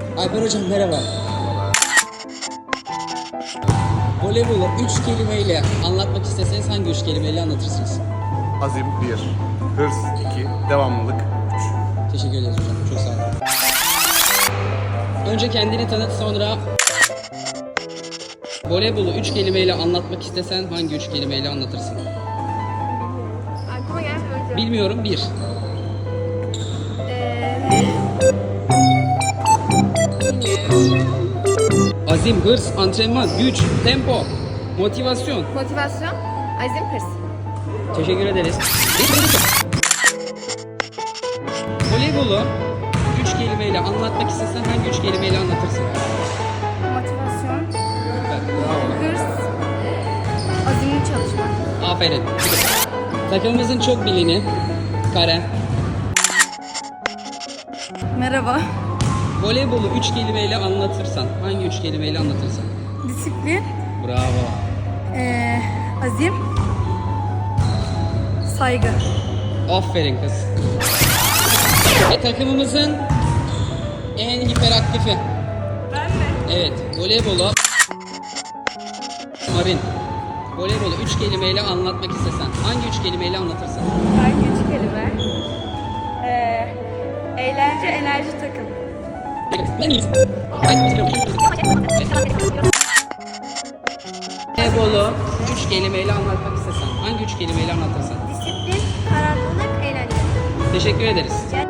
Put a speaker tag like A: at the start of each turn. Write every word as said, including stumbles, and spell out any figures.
A: Alper hocam merhaba. Voleybolu üç kelimeyle anlatmak isteseniz hangi üç kelimeyle anlatırsınız?
B: Azim bir, hırs iki, devamlılık üç.
A: Teşekkür ederiz hocam. Çok sağ olun. Önce kendini tanıt, sonra voleybolu üç kelimeyle anlatmak istesen hangi üç kelimeyle anlatırsın?
C: Aklıma gelmiyor hocam.
A: Bilmiyorum. Bir.
C: Ee,
A: Azim, hırs, antrenman, güç, tempo, motivasyon.
C: motivasyon, azim, hırs.
A: Teşekkür ederiz. Voleybolu üç kelimeyle anlatmak istesen hangi üç kelimeyle anlatırsın?
C: Motivasyon,
A: Evet, bravo.
C: hırs, azimli çalışmak.
A: Aferin. Takımımızın çok bilini Karen.
C: Merhaba.
A: Voleybolu üç kelimeyle anlatırsan hangi üç kelimeyle anlatırsın?
C: Disiplin,
A: Bravo.
C: ee, azim, saygı.
A: Aferin kız. Ve takımımızın en hiperaktifi.
C: Ben mi?
A: Evet, voleybolu Marin. Voleybolu üç kelimeyle anlatmak istesen hangi üç kelimeyle anlatırsın?
C: Hangi üç kelime? Ee, eğlence, enerji, takım.
A: Voleybolu üç kelimeyle anlatmak istesen hangi üç kelimeyle anlatırsın?
C: Disiplin, kararlılık, eğlence.
A: Teşekkür ederiz.